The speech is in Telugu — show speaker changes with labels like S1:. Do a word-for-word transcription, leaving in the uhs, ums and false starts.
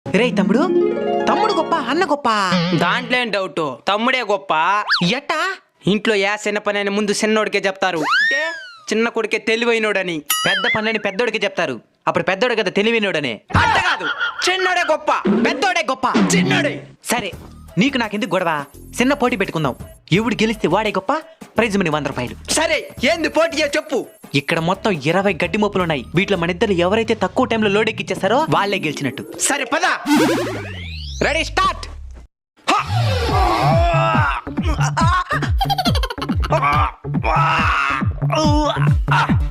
S1: రే తమ్ముడు, తమ్ముడు గొప్ప అన్న గొప్ప?
S2: దాంట్లో ఏం డౌట్, తమ్ముడే గొప్ప.
S1: ఎట్టా?
S2: ఇంట్లో యా చిన్న పని అని ముందు చిన్నోడికే చెప్తారు, అంటే చిన్న కొడుకే తెలివైనోడని.
S1: పెద్ద పనులని పెద్దోడికి చెప్తారు, అప్పుడు పెద్దోడు కదా తెలివినోడనే.
S2: అంత కాదు, చిన్నోడే గొప్ప,
S1: పెద్దోడే గొప్ప.
S2: చిన్నోడే.
S1: సరే, నీకు నాకెందుకు గొడవ? చిన్న పోటీ పెట్టుకుందాం. ఎవడు గెలిస్తే వాడే గొప్ప, ప్రైజ్ మనీ వంద రూపాయలు.
S2: సరే, ఏంది పోటీయో చెప్పు.
S1: ఇక్కడ మొత్తం ఇరవై గడ్డి మోపులు ఉన్నాయి. వీటిలో మన ఇద్దరు ఎవరైతే తక్కువ టైంలో లోడ్ ఎక్కిచ్చేస్తారో వాళ్ళే గెలిచినట్టు.
S2: సరే పద.
S1: Ready, start.
S2: ఆ